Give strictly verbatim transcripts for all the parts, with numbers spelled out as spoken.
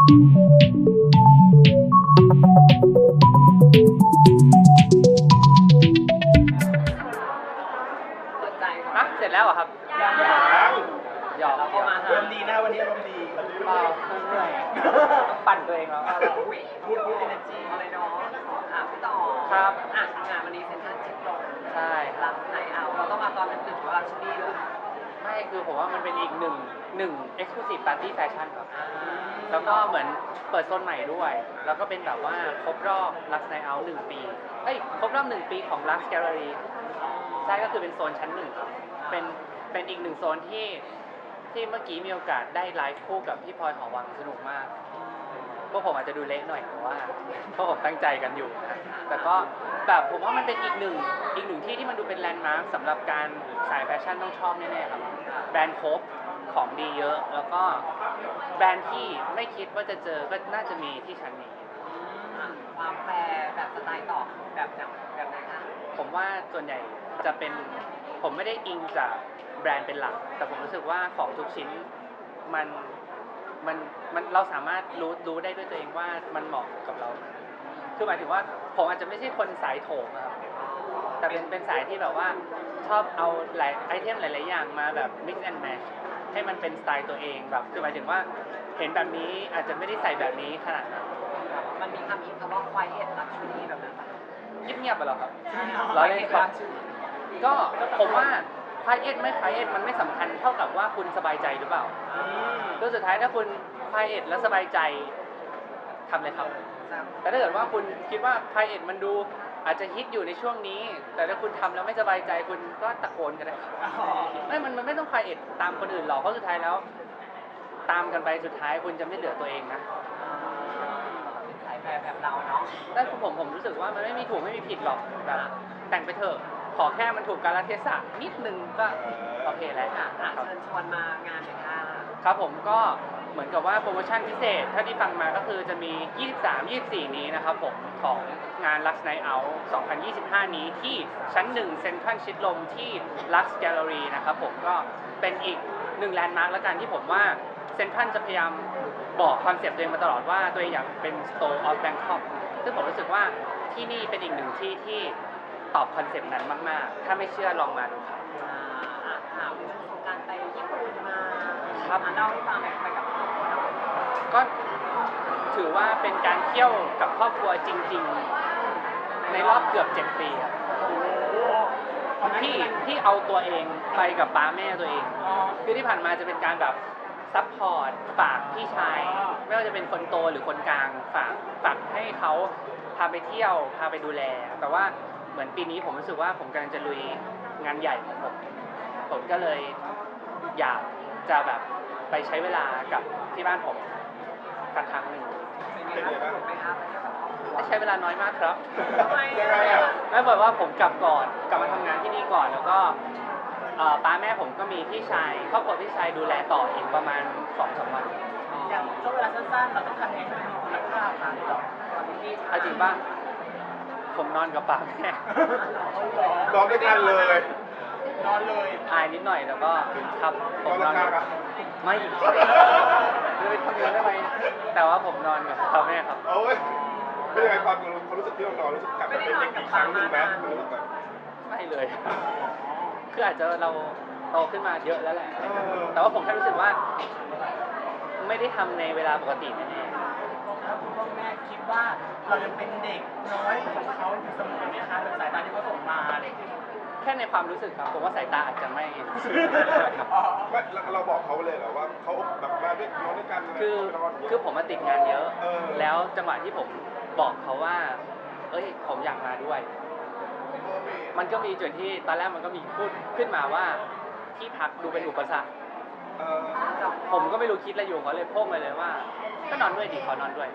เปิดใจก่อนฮะเสร็จแล้วเหรอครับยังยังหยอกเราก็มาอารมณ์ดีนะวันนี้อารมณ์ดีเปล่าเหนื่อยต้องปั่นตัวเองแล้วเราเราอุ้ยพูดพูดเอเนอร์จีอะไรเนาะอ่ะพี่ต่อครับอ่ะงานวันนี้เซ็นทรัลชิดลมใช่ครัรับกไหนเอาเราต้องมาตอนดึกๆหรือว่ารักชนีเลยไม่คือผมว่ามันเป็นอีกหนึ่งหนึ่ง exclusive party fashion ครับอ่าแล้วก็เหมือนเปิดโซนใหม่ด้วย แล้วก็เป็นแบบว่าครบรอบ Lux Night Out หนึ่งปีเอ้ยครบรอบหนึ่งปีของ Lux Gallery ใช่ก็คือเป็นโซนชั้นหนึ่งครับเป็นเป็นอีกหนึ่งโซนที่ที่เมื่อกี้มีโอกาสได้ไลฟ์คู่กับพี่พลอยหอวังสนุกมาก พวกผมอาจจะดูเละหน่อยแต่ว่าพวกผมตั้งใจกันอยู่นะแต่ก็แบบผมว่ามันเป็นอีกหนึ่งอีกหนึ่งที่ที่มันดูเป็นแลนด์มาร์คสำหรับการสายแฟชั่นต้องชอบแน่ๆครับแบรนด์ครบของดีเยอะ แล้วก็แบรนด์ที่ไม่คิดว่าจะเจอก็น่าจะมีที่ชั้นนี้อ่ะความแปรแบบสไตล์ต่อแบบไหนแบบไหนคะผมว่าส่วนใหญ่จะเป็นผมไม่ได้อิงจากแบรนด์เป็นหลัก แต่ผมรู้สึกว่าของทุกชิ้นมันมันมันเราสามารถรู้รู้ได้ด้วยตัวเองว่ามันเหมาะกับเรา คือหมายถึงว่าผมอาจจะไม่ใช่คนสายโถมอะครับแต่เป็นเป็นสายที่แบบว่าชอบเอาหลายไอเทมหลาย ๆ อย่างมาแบบ mix and match ให้มันเป็นสไตล์ตัวเองแบบคือหมายถึงว่าเห็นแบบนี้อาจจะไม่ได้ใส่แบบนี้ขนาดนั้นมันมีคำอินคำว่า quiet luxury แบบนั้นปะเงียบๆไปหรอครับ เราเล่นครับ ก็ผมว่าพายเอ็ดไม่พายเอ็ดมันไม่สำคัญเท่ากับว่าคุณสบายใจหรือเปล่าแล้วสุดท้ายถ้าคุณพายเอ็ดแล้วสบายใจทำเลยครับ แต่ถ้าเกิดว่าคุณคิดว่าพายเอ็ดมันดูอาจจะฮิตอยู่ในช่วงนี้ แต่ถ้าคุณทำแล้วไม่สบายใจคุณก็ตะโกนกันได้ไม่มันมันไม่ต้องพายเอ็ดตามคนอื่นหรอกเพราะสุดท้ายแล้ว ตามกันไปสุดท้ายคุณจะไม่เหลือตัวเองนะเป็นสายแปรแบบเราเนาะแต่ผมผมรู้สึกว่ามันไม่มีถูกไม่มีผิดหรอกแบบแต่งไปเถอะขอแค่มันถูกกาลเทศะนิดนึงก็โอเคแล้วอ่ะอ่ะอ่ะครับเชิญชวนมางานเลยค่ะครับผมก็เหมือนกับว่าโปรโมชั่นพิเศษถ้าที่ฟังมาก็คือจะมี ยี่สิบสาม ยี่สิบสี่ นี้นะครับผมของงาน Lux Night Out สองพันยี่สิบห้า นี้ที่ชั้นหนึ่งเซ็นทรัลชิดลมที่ Lux Gallery นะครับผมก็เป็นอีกหนึ่งแลนด์มาร์คแล้วกันที่ผมว่าเซ็นทรัลจะพยายามบอกคอนเซปต์ตัวเองมาตลอดว่าตัวเองอยากเป็น Store of Bangkok ซึ่งผมรู้สึกว่าที่นี่เป็นอีกหนึ่งที่ที่ตอบคอนเซปต์นั้นมากๆ ถ้าไม่เชื่อลองมาดูครับอ่าอ่ะถามช่วงสงกรานต์ไปญี่ปุ่นมาครับอ่ะเล่าให้ฟังหน่อยไปกับครอบครัวเนาะก็ถือว่าเป็นการเที่ยวกับครอบครัวจริงๆ ในรอบเกือบเจ็ดปีครับที่ที่เอาตัวเองไปกับป้าแม่ตัวเอง คือที่ผ่านมาจะเป็นการแบบซัพพอร์ตฝากพี่ชาย ไม่ว่าจะเป็นคนโตหรือคนกลางฝากฝากให้เขาพาไปเที่ยวพาไปดูแล แต่ว่าเหมือนปีนี้ผมรู้สึกว่าผมกำลังจะลุยงานใหญ่ของผม ผมก็เลยอยากจะแบบไปใช้เวลากับที่บ้านผมสักครั้งหนึ่งเป็นไงครับสนุกไหมครับไปเที่ยวกับครอบครัวใช้เวลาน้อยมากครับทำไมอ่ะไม่บอกว่าผมกลับก่อนกลับมาทำงานที่นี่ก่อนแล้วก็เอ่อป้าแม่ผมก็มีพี่ชายครอบครัวพี่ชายดูแลต่ออีกประมาณสองสามวันอย่างช่วงเวลาสั้นๆเราต้องทำยังไงให้มันมีคุณภาพค่ะต่อเอาจริงป่ะผมนอนกับป้าแม่นอนด้วยกันเลยนอนเลยอายนิดหน่อยแล้วก็ครับผมนอนนอนกับข้างๆไม่เลยทำงานได้ไหมแต่ว่าผมนอนกับป้าแม่ครับโอ้ยเป็นยังไงความความรู้สึกที่เรานอนรู้สึกกลับมาเป็นเด็กอีกครั้งหนึ่งไหมรู้สึกแบบไม่เลย คืออาจจะเราโตขึ้นมาเยอะแล้วแหละเออแต่ว่าผมแค่รู้สึกว่า ไม่ได้ทำในเวลาปกติแน่แล้วคุณพ่อแม่คิดว่าเรายังเป็นเด็กน้อยของเขาอยู่เสมอไหมคะแบบสายตาที่เขาส่งมาอะไรอย่างเงี้ยๆแค่ในความรู้สึกครับ ผมว่าสายตาอาจจะไม่อ๋อไม่เราเราบอกเขาเลยเหรอว่าเขาแบบมาด้วยนอนด้วยกันนะคือนอนย่างเงี้ยคือผมมาติดงานเยอะเออแล้วจังหวะที่ผมบอกเขาว่า เอ้ย ผมอยากมาด้วย มันก็มีจุดที่ตอนแรกมันก็มีพูดขึ้นมาว่าที่พักดูเป็นอุปสรรคเออผมก็ไม่รู้คิดอะไรอยู่เขาเลยโพ่งไปเลยว่า ก็นอนด้วยดิขอนอนด้วย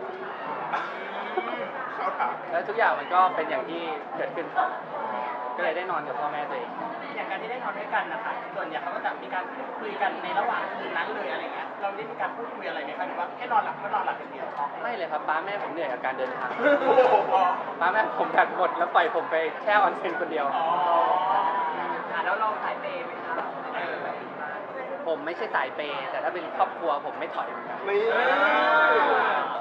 เขาถามแล้วทุกอย่างมันก็เป็นอย่างที่เกิดขึ้นครับก็เลยได้นอนกับพ่อแม่ตัวเองอย่างการที่ได้นอนด้วยกันนะคะส่วนใหญ่เขาก็จะมีการพูดคุยกันในระหว่างคืนนั้นเลยอะไรเงี้ยเราได้มีการพูดคุยอะไรไหมคะหรือว่าแค่นอนหลับก็นอนหลับอย่างเดียวไม่เลยครับป้าแม่ผมเหนื่อยกับการเดินทางโอ้โหป้าแม่ผมแบตหมดแล้วปล่อยผมไปแช่ออนเซ็นคนเดียวอ๋ออ่ะแล้วเราสายเปย์ไหมคะเออผมไม่ใช่สายเปย์แต่ถ้าเป็นครอบครัวผมไม่ถอยเหมือนกันนี่อ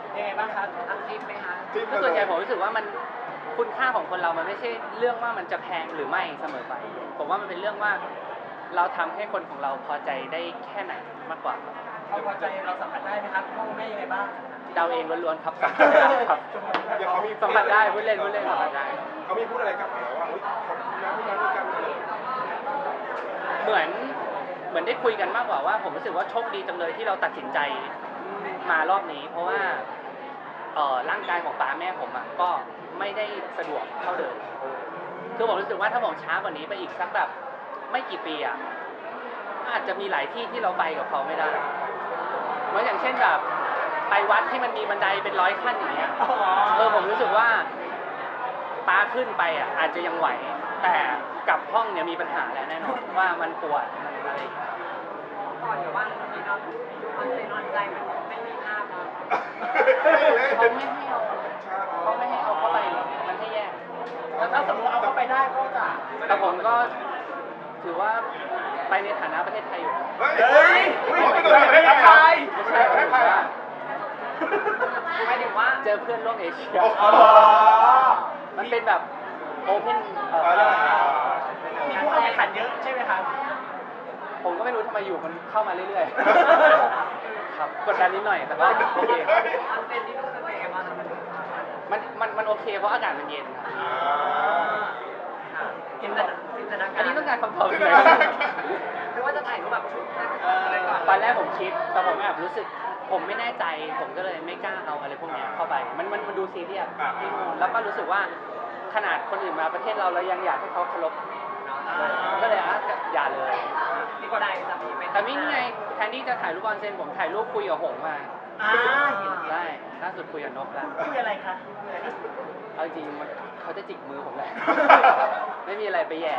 จิ้นคือส่วนใหญ่ผมรู้สึกว่ามันคุณค่าของคนเรามันไม่ใช่เรื่องว่ามันจะแพงหรือไม่เสมอไป ผมว่ามันเป็นเรื่องว่าเราทำให้คนของเราพอใจได้แค่ไหนมากกว่าเขาพอใจเราสัมผัสได้ไหมครับพ่อแม่ยังไงบ้างเดาเองล้วนๆครับสัมผัสได้ครับอย่างเขามีสัมผัสได้พูดเล่นพูดเล่นสัมผัสได้เขามีพูดอะไรกลับมาแล้วว่าเฮ้ยขอบคุณนะที่มาด้วยกันเลยเหมือนเหมือนได้คุยกันมากกว่าว่า ผมรู้สึกว่าโชคดีจังเลยที่เราตัดสินใจมารอบนี้ เพราะว่าเอ่อร่างกายของป้าแม่ผมอ่ะก็ไม่ได้สะดวกเท่าเดิมคือผมรู้สึกว่าถ้าผมช้ากว่านี้ไปอีกสักแบบไม่กี่ปีอ่ะอาจจะมีหลายที่ที่เราไปกับเขาไม่ได้เหมือนอย่างเช่นแบบไปวัดที่มันมีบันไดเป็นร้อยขั้นอย่างเงี้ยเออผมรู้สึกว่าป้าขึ้นไปอ่ะอาจจะยังไหวแต่กลับห้องเนี่ยมีปัญหาแล้วแน่นอนว่ามันปวดมันอะไรอย่างเงี้ยก่อนเดี๋ยวว่ามีน้องคอนเซนต์นอนใจมันไม่มีภาพแล้วเขาไม่ให้เอาเขาไม่ให้เอาเข้าไปมันให้แยกแล้วถ้าสมมติเอาเข้าไปได้ก็จะแต่ผมก็ถือว่าไปในฐานะประเทศไทยอยู่นะเฮ้ยเฮ้ยไม่โดนประเทศไทยไม่ใช่ผมว่าหมายถึงว่าเจอเพื่อนโลกเอเชียอ๋อมันเป็นแบบโอเพนเอ่อมีผู้เข้าแข่งขันเยอะใช่ไหมครับผมก็ไม่รู้ทำไมอยู่มันเข้ามาเรื่อยๆ ครับกดดันนิดหน่อยแต่ว่าโอเคคอนเซนต์ที่นู่นเป็นไงบ้างคะมันมันมันโอเคเพราะอากาศมันเย็นครับจินตนาจินตนาการอันนี้ต้องการคำตอบเลยหรือว่าจะถ่ายรูปแบบชุดอะไรก่อนตอนแรกผมคิดแต่ผมแอบรู้สึก ผมไม่แน่ใจ ผมก็เลยไม่กล้าเอาอะไรพวกเนี้ยเข้าไป มันมันมันดูซีเรียสที่นู่นแล้วก็รู้สึกว่าขนาดคนอื่นมาประเทศเราเรายังอยากให้เขาเคารพเลยก็เลยอ่ะอย่าเลยที่ก็ได้จะมีเป็นแต่ไม่นี่ไงแทนที่จะถ่ายรูปออนเซนผมถ่ายรูปคุยกับหงส์มาอ่าเห็นได้ล่าสุดคุยกับนกแล้วคุยอะไรคะคุยอะไรคะเอาจริงมันเขาจะจิกมือผมแหละ ไม่มีอะไรไปแย่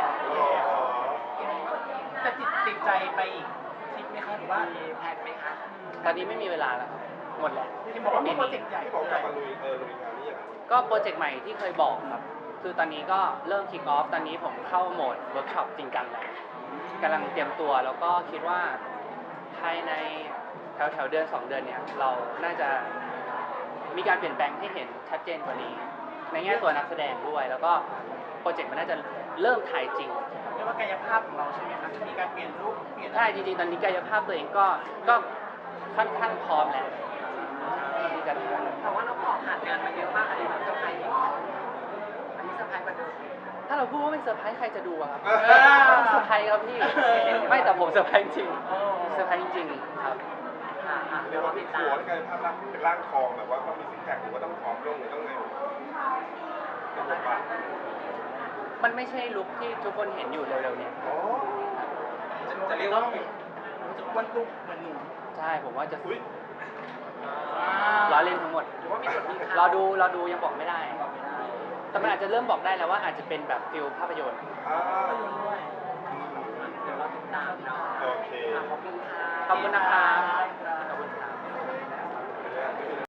แต่ติดติดใจไปอีกทริปไหมคะหรือว่ามีแพลนไหมคะตอนนี้ไม่มีเวลาแล้วครับหมดแล้วที่บอกว่ามีโปรเจกต์ใหญ่ที่บอกกลับมาลุยเออลุยงานนี่อย่างนั้นก็โปรเจกต์ใหม่ที่เคยบอกครับ คือตอนนี้ก็เริ่มคิกออฟ ตอนนี้ผมเข้าโหมดเวิร์กช็อปจริงจังแล้วกำลังเตรียมตัวแล้วก็คิดว่าภายในแถวแถวๆเดือนสองเดือนเนี่ย เราน่าจะมีการเปลี่ยนแปลงให้เห็นชัดเจนกว่านี้ ในแง่ตัวนักแสดงด้วย แล้วก็โปรเจกต์มันน่าจะเริ่มถ่ายจริงเรียกว่ากายภาพของเราใช่ไหมครับมีการเปลี่ยนรูปเปลี่ยนใช่จริงๆ ตอนนี้กายภาพตัวเองก็ก็ค่อนข้างพร้อมแล้วที่จะทำแต่ว่าน้องบอกผ่านงานมาเยอะมากอันนี้แบบเซอร์ไพรส์อีกอันนี้เซอร์ไพรส์กว่าเดิมถ้าเราพูดว่าไม่เซอร์ไพรส์ใครจะดูอะครับเออเซอร์ไพรส์ครับพี่ ไม่แต่ผมเซอร์ไพรส์จริงเซอร์ไพรส์จริงๆครับอ่าอ่าเรีเดี๋ยยกวว่าเรามีติดหัตาว มที่กลายเป็นภาพลักษณ์เป็นร่างทองแบบว่าต้องมีซิกแพคหรือว่าต้องผอมลงหรือต้องไงเป็นบทบาทมันไม่ใช่ลุคที่ทุกคนเห็นอยู่เร็วๆเนี่ยอ๋อจะเรียกว่าจะอ้วนตุ้มเหมือนหนูใช่ผมว่าจะอุ้ยล้อเล่นทั้งหมดหรือว่ามีบทมีรอดูรอดูยังบอกไม่ได้ แต่มันอาจจะเริ่มบอกได้แล้วว่าอาจจะเป็นแบบฟิลภาพยนตร์อ่าด้วยเดี๋ยวเราติดตามเนาะโอเคอ่ะขอบคุณค่ะขอบคุณนะครับ